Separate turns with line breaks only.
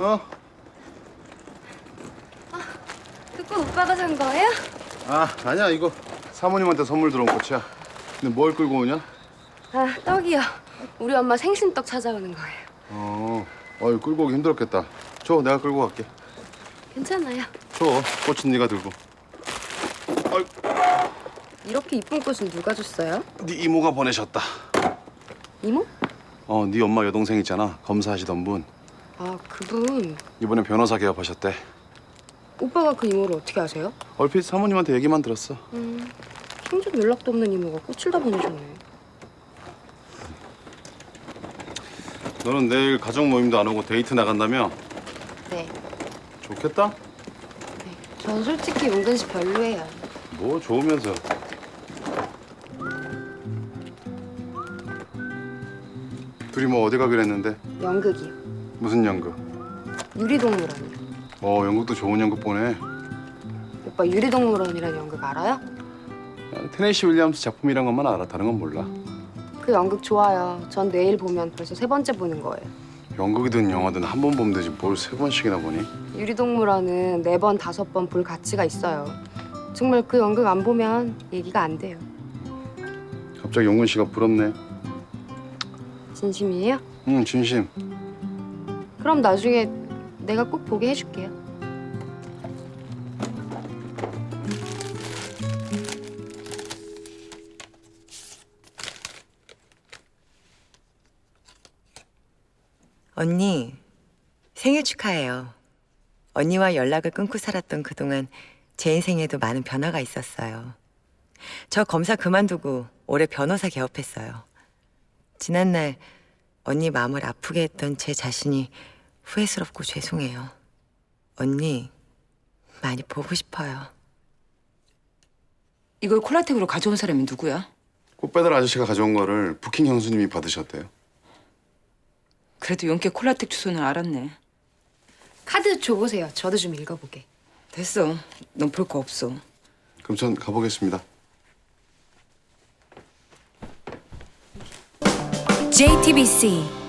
어?
그 꽃 오빠가 산 거예요?
아니야. 이거 사모님한테 선물 들어온 꽃이야. 근데 뭘 끌고 오냐?
아, 떡이요. 우리 엄마 생신떡 찾아오는 거예요.
어이 끌고 오기 힘들었겠다. 줘, 내가 끌고 갈게.
괜찮아요.
줘, 꽃은 네가 들고. 어이,
이렇게 이쁜 꽃은 누가 줬어요?
네 이모가 보내셨다.
이모?
네 엄마 여동생 있잖아. 검사하시던 분.
아, 그분.
이번에 변호사 개업하셨대.
오빠가 그 이모를 어떻게 아세요?
얼핏 사모님한테 얘기만 들었어.
생전 연락도 없는 이모가 꽃을 다 보내줬네.
너는 내일 가족 모임도 안 오고 데이트 나간다며?
네.
좋겠다?
네. 전 솔직히 은근 씨 별로예요.
뭐 좋으면서. 둘이 뭐 어디 가기로 했는데?
연극이요.
무슨 연극?
유리동물원이요.
연극도 좋은 연극 보네.
오빠 유리동물원이라는 연극 알아요?
테네시 윌리엄스 작품이란 것만 알아. 다른 건 몰라.
그 연극 좋아요. 전 내일 보면 벌써 3번째 보는 거예요.
연극이든 영화든 한 번 보면 되지 뭘 3번씩이나 보니?
유리동물원은 4번, 5번 볼 가치가 있어요. 정말 그 연극 안 보면 얘기가 안 돼요.
갑자기 용근 씨가 부럽네.
진심이에요?
응, 진심.
그럼 나중에 내가 꼭 보게 해줄게요.
언니, 생일 축하해요. 언니와 연락을 끊고 살았던 그동안 제 인생에도 많은 변화가 있었어요. 저 검사 그만두고 올해 변호사 개업했어요. 지난날 언니 마음을 아프게 했던 제 자신이 후회스럽고 죄송해요. 언니, 많이 보고 싶어요.
이걸 콜라텍으로 가져온 사람이 누구야?
꽃배달 아저씨가 가져온 거를 부킹 형수님이 받으셨대요.
그래도 용케 콜라텍 주소는 알았네.
카드 줘보세요. 저도 좀 읽어보게.
됐어. 넌 볼 거 없어.
그럼 전 가보겠습니다.
JTBC